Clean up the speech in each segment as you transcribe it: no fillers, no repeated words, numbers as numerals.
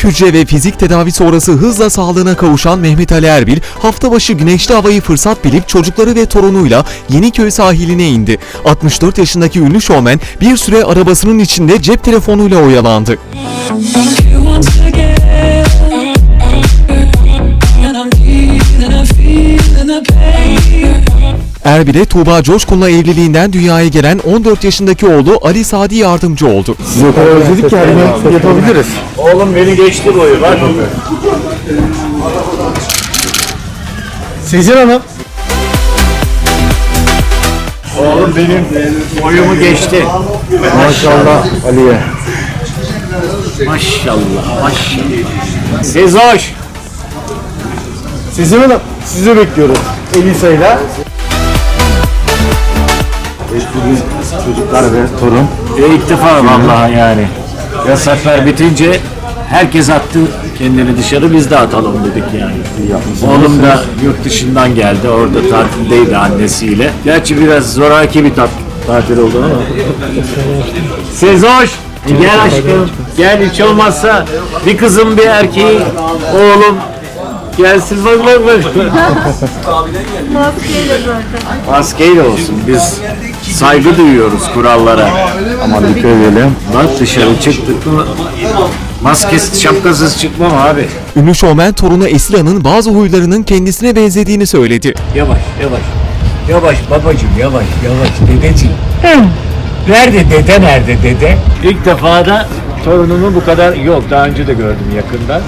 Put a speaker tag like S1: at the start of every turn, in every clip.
S1: hücre ve fizik tedavi sonrası hızla sağlığına kavuşan Mehmet Ali Erbil, hafta başı güneşli havayı fırsat bilip çocukları ve torunuyla Yeniköy sahiline indi. 64 yaşındaki ünlü şovmen bir süre arabasının içinde cep telefonuyla oyalandı. Erbil'e Tuğba Coşkun'la evliliğinden dünyaya gelen 14 yaşındaki oğlu Ali Sadi yardımcı oldu.
S2: Sizi o kadar özledik ki her gün yapabiliriz.
S3: Oğlum beni geçti boyu bak.
S2: Sezen Hanım.
S3: Oğlum benim boyumu geçti.
S2: Maşallah Ali'ye.
S3: Maşallah maşallah. Sezoş.
S2: Sezen Hanım sizi bekliyoruz. Elisa'yla. Bugün çocuklar ve torun.
S3: İlk defa vallahi yani. Yasaklar bitince herkes attı kendini dışarı, biz de atalım dedik yani. Oğlum da yurt dışından geldi, orada tatildeydi annesiyle. Gerçi biraz zoraki bir tatil oldu ama. Sezoş, gel aşkım, gel, hiç olmazsa bir kızım bir erkeği, oğlum gelsin bak.
S4: Maskeyle zaten.
S3: Maskeyle olsun, biz saygı duyuyoruz kurallara.
S2: Ama dikkat edelim.
S3: Bak dışarı çıktık mı maskesiz şapkasız çıkmam abi.
S1: Ünlü şovmen torunu Esila'nın bazı huylarının kendisine benzediğini söyledi.
S3: Yavaş yavaş. Yavaş babacığım, yavaş dedeciğim. Nerede dede, nerede dede? İlk defa da torunumu bu kadar yok. Daha önce de gördüm yakından.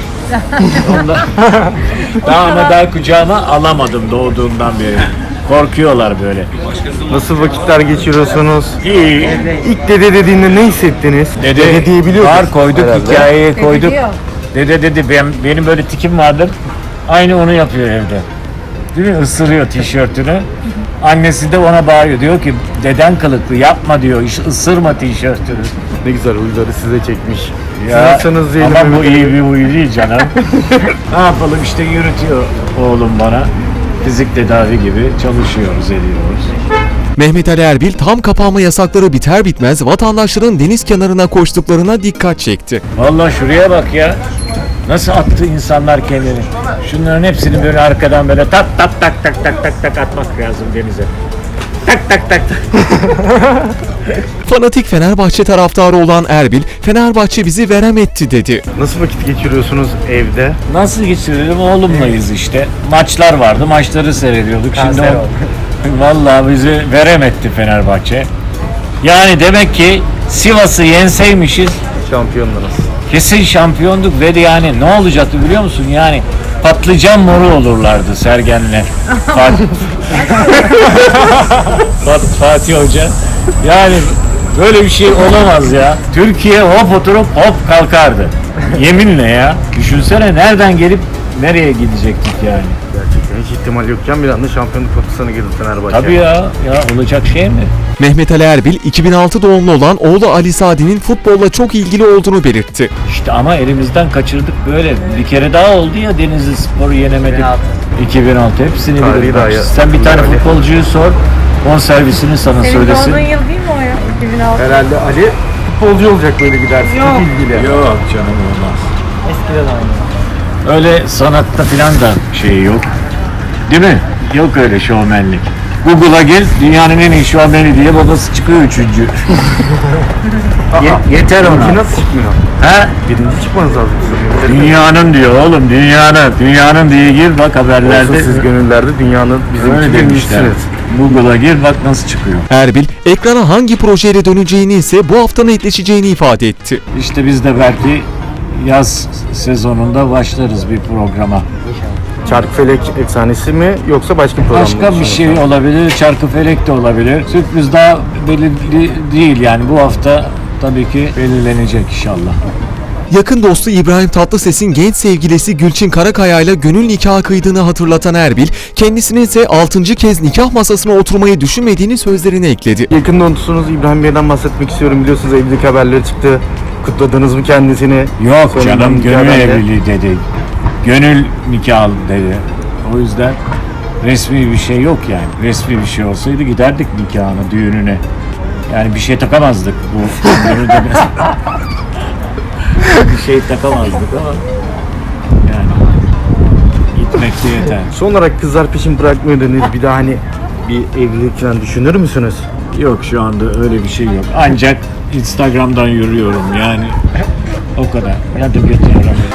S3: Daha kucağıma alamadım doğduğundan beri. Korkuyorlar böyle.
S2: Nasıl vakitler geçiriyorsunuz?
S3: İyi.
S2: İlk dede dediğinde ne hissettiniz? Dede diyebiliyor
S3: Var
S2: musunuz
S3: koyduk,
S2: herhalde?
S3: hikayeye koyduk.
S4: diyor.
S3: Dede dedi, benim böyle tikim vardır. Aynı onu yapıyor evde. Değil mi? Isırıyor tişörtünü. Annesi de ona bağırıyor. Diyor ki deden kılıklı yapma diyor. Isırma tişörtünü.
S2: Ne güzel huyları size çekmiş.
S3: Ya,
S2: Siz nasılsınız diyelim.
S3: ama bu
S2: Mehmet Ali
S3: iyi
S2: Bey?
S3: bir huy değil canım. Ne yapalım işte, yürütüyor oğlum bana. Fizik tedavi gibi çalışıyoruz, ediyoruz.
S1: Mehmet Ali Erbil tam kapanma yasakları biter bitmez vatandaşların deniz kenarına koştuklarına dikkat çekti.
S3: Vallahi şuraya bak ya. Nasıl attı insanlar kendini. Şunların hepsini böyle arkadan böyle tak atmak lazım denize. Tak.
S1: Fanatik Fenerbahçe taraftarı olan Erbil, Fenerbahçe bizi veremetti dedi.
S2: Nasıl vakit geçiriyorsunuz evde?
S3: Nasıl geçirelim? Oğlumlayız işte. Maçlar vardı, maçları seyrediyorduk. Şimdi vallahi bizi veremetti Fenerbahçe. Yani demek ki Sivas'ı yenseymişiz
S2: Şampiyonlarınız.
S3: kesin şampiyonduk ve yani ne olacaktı biliyor musun? Yani patlıcan moru olurlardı Sergen'le. Fatih Hoca. Yani böyle bir şey olamaz ya. Türkiye hop oturup hop kalkardı. Yeminle ya. Düşünsene nereden gelip nereye gidecektik yani.
S2: Gerçekten hiç ihtimal yokken bir anda şampiyonluk potasına girdi Fenerbahçe.
S3: Tabii ya olacak şey mi?
S1: Mehmet Ali Erbil, 2006 doğumlu olan oğlu Ali Sadi'nin futbolla çok ilgili olduğunu belirtti.
S3: İşte ama elimizden kaçırdık böyle. Bir kere daha oldu ya Denizli Spor'u yenemedik. 2006 hepsini
S2: Tarihi
S3: bilir.
S2: daha
S3: Bak,
S2: ya.
S3: sen bir tane
S2: Ali.
S3: futbolcuyu sor. Bonservisini sana
S4: Senin
S3: söylesin.
S4: doğduğun yıl değil mi o ya? 2006.
S2: Herhalde Ali futbolcu olacak böyle giderse.
S4: Yok.
S2: Çok ilgili.
S3: Yok canım olmaz. Öyle sanatta filan da şey yok. Değil mi? Yok öyle şovmenlik. Google'a gel, dünyanın en iyi şovmeni diye babası çıkıyor 3. Yeter ona.
S2: Birinci nasıl çıkmıyor?
S3: Ha?
S2: Birinci çıkmanız lazım sizin.
S3: Dünyanın diyor oğlum, dünyanın diye gir bak haberlerde.
S2: Olsun siz gönüllerde dünyanın bizim
S3: Öyle
S2: için
S3: demişler.
S2: birincisiniz.
S3: Google'a gir bak nasıl çıkıyor.
S1: Erbil, ekrana hangi projeyle döneceğini ise bu hafta netleşeceğini ifade etti.
S3: İşte biz de belki yaz sezonunda başlarız bir programa.
S2: Çarkıfelek efsanesi mi yoksa başka bir program mı?
S3: Başka bir şey olabilir, Çarkıfelek de olabilir. Sürpriz daha belirli değil yani bu hafta tabii ki belirlenecek inşallah.
S1: Yakın dostu İbrahim Tatlıses'in genç sevgilisi Gülçin Karakaya ile gönül nikahı kıydığını hatırlatan Erbil, kendisinin ise 6. kez nikah masasına oturmayı düşünmediğini sözlerine ekledi.
S2: Yakın dostunuz İbrahim Bey'den bahsetmek istiyorum. Biliyorsunuz evlilik haberleri çıktı. Kutladınız mı kendisini?
S3: Yok
S2: Sonradan
S3: canım,
S2: nikah
S3: gönül
S2: haberleri.
S3: evliliği dedi. Gönül nikahı dedi. O yüzden resmi bir şey yok yani. Resmi bir şey olsaydı giderdik nikahına, düğününe. Yani bir şey takamazdık bu. bir şey takamazdık ama yani gitmek de yeter.
S2: Son olarak kızlar peşin bırakmıyor dediniz. Bir daha hani bir evlilik falan düşünür müsünüz?
S3: Yok şu anda öyle bir şey yok. Ancak Instagram'dan yürüyorum yani. O kadar. Ya da götür arabayı.